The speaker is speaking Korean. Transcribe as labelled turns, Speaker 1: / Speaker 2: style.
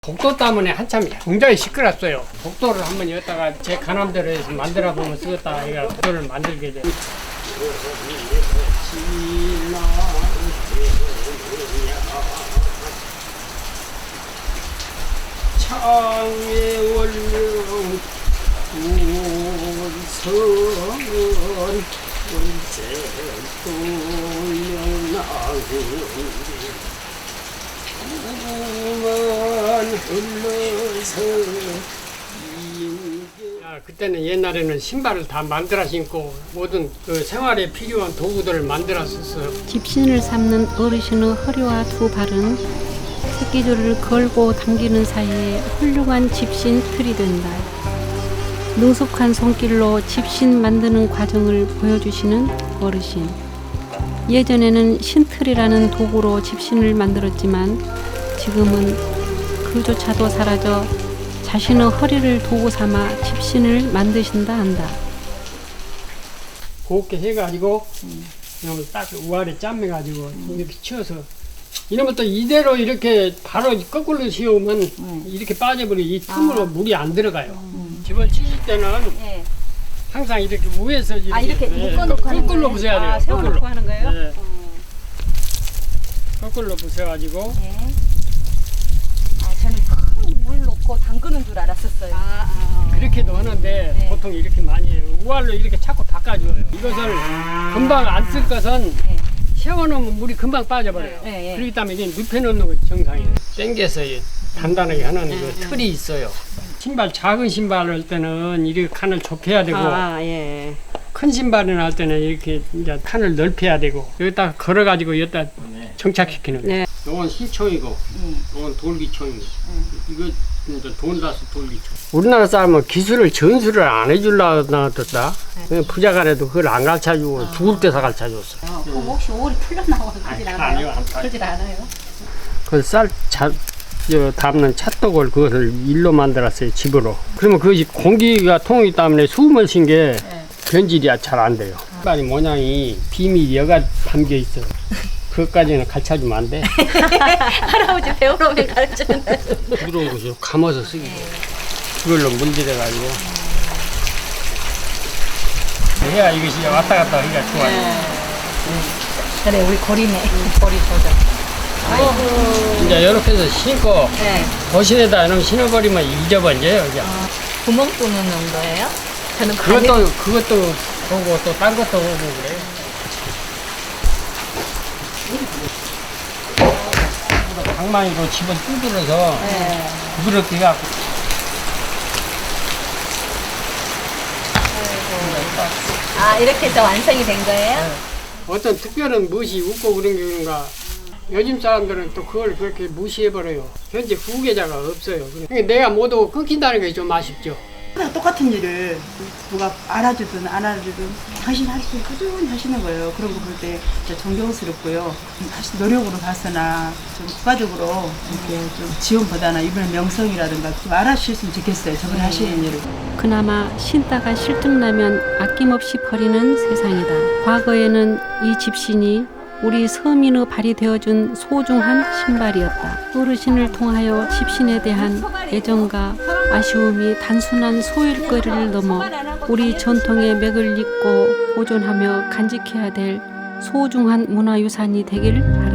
Speaker 1: 복도 때문에 한참 굉장히 시끄럽어요. 복도를 한번 여기다가 제 가남대로 해서 만들어 보면 쓰겠다. 얘가 복도를 만들게 돼. 창에 올려 우성은 언제도 명나고 그때는 옛날에는 신발을 다 만들어 신고 모든 그 생활에 필요한 도구들을 만들어 썼어요.
Speaker 2: 집신을 삼는 어르신의 허리와 두 발은 새끼줄을 걸고 당기는 사이에 훌륭한 집신 틀이 된다. 능숙한 손길로 집신 만드는 과정을 보여주시는 어르신. 예전에는 신틀이라는 도구로 집신을 만들었지만 지금은 그조차도 사라져 자신의 허리를 도구 삼아 집신을 만드신다 한다.
Speaker 1: 곱게 해가지고 이러면 딱 우아래 짬매가지고 이렇게 치워서 이러면 또 이대로 이렇게 바로 거꾸로 씌우면 이렇게 빠져버리고 이 틈으로 물이 안 들어가요. 집을 치실 때는 항상 이렇게 위에서
Speaker 3: 이렇게 묶어놓고 하는
Speaker 1: 거꾸로
Speaker 3: 거예요?
Speaker 1: 부숴야 돼요.
Speaker 3: 세워놓고 하는 거예요?
Speaker 1: 네. 거꾸로 부숴가지고
Speaker 3: 네. 저는 큰 물 넣고 담그는 줄 알았었어요.
Speaker 1: 그렇게도 하는데
Speaker 3: 네.
Speaker 1: 보통 이렇게 많이 해요. 우알로 이렇게 자꾸 바꿔줘요. 이것을 금방 안 쓸 것은 세워놓으면 물이 금방 빠져버려요.
Speaker 3: 네.
Speaker 1: 그렇기 때문에 이게 눕혀놓는 것이 정상이에요. 당겨서 단단하게 하는 그 틀이 있어요. 신발 작은 신발을 할 때는 이렇게 칸을 좁혀야 되고 큰 신발을 할 때는 이렇게 이제 칸을 넓혀야 되고 여기다 걸어가지고 여기다 정착시키는 거예요. 이건 신총이고 이건 돌기총이고 이거 이제 돈다스 돌기총. 우리나라 사람은 기술을 전수를 안 해주려고 놔뒀다. 부자간에도 그걸 안 가르쳐주고 죽을 때서 가르쳐줬어.
Speaker 3: 그럼 혹시 오리 풀려나와 그러진 않아요?
Speaker 1: 아니요.
Speaker 3: 그러진 않아요?
Speaker 1: 그 담는 찻독을 그것을 일로 만들었어요. 집으로. 그러면 그것이 공기가 통하기 때문에 숨을 쉰 게 변질이 잘 안 돼요. 신발이 모양이 비밀 여가 담겨 있어. 그것까지는 가르쳐주면 안 돼.
Speaker 3: 할아버지 배우러면 가르쳐준다.
Speaker 1: 부드러운 것을 감아서 쓰기. 그걸로 문질러가지고. 해야 이것이 왔다 갔다 하기가 좋아요.
Speaker 3: 그래 우리 거리네. 거리 보자.
Speaker 1: 이제 이렇게 해서 신고 거실에다 이놈 신어버리면 잊어버려요. 그냥.
Speaker 3: 구멍 뚫는 거예요? 저는
Speaker 1: 그것도 보고 또 딴 것도 보고 그래요. 방망이로 집을 뚫어서 부드럽게 해갖고.
Speaker 3: 이렇게 해서 완성이 된 거예요?
Speaker 1: 어떤 특별한 멋이 웃고 그런 게 그런가. 요즘 사람들은 또 그걸 그렇게 무시해버려요. 현재 후계자가 없어요. 그러니까 내가 모두 끊긴다는 게 좀 아쉽죠.
Speaker 4: 똑같은 일을 누가 알아주든 안 알아주든 당신 할 수 꾸준히 하시는 거예요. 그런 거 볼 때 진짜 존경스럽고요. 사실 노력으로 봐서나 좀 국가적으로 이렇게 좀 지원보다나 이번에 명성이라든가 좀 알아주셨으면 좋겠어요. 저번에 하시는 일을.
Speaker 2: 그나마 신다가 실증나면 아낌없이 버리는 세상이다. 과거에는 이 집신이 우리 서민의 발이 되어준 소중한 신발이었다. 어르신을 통하여 집신에 대한 애정과 아쉬움이 단순한 소일거리를 넘어 우리 전통의 맥을 잇고 보존하며 간직해야 될 소중한 문화유산이 되길 바랍니다.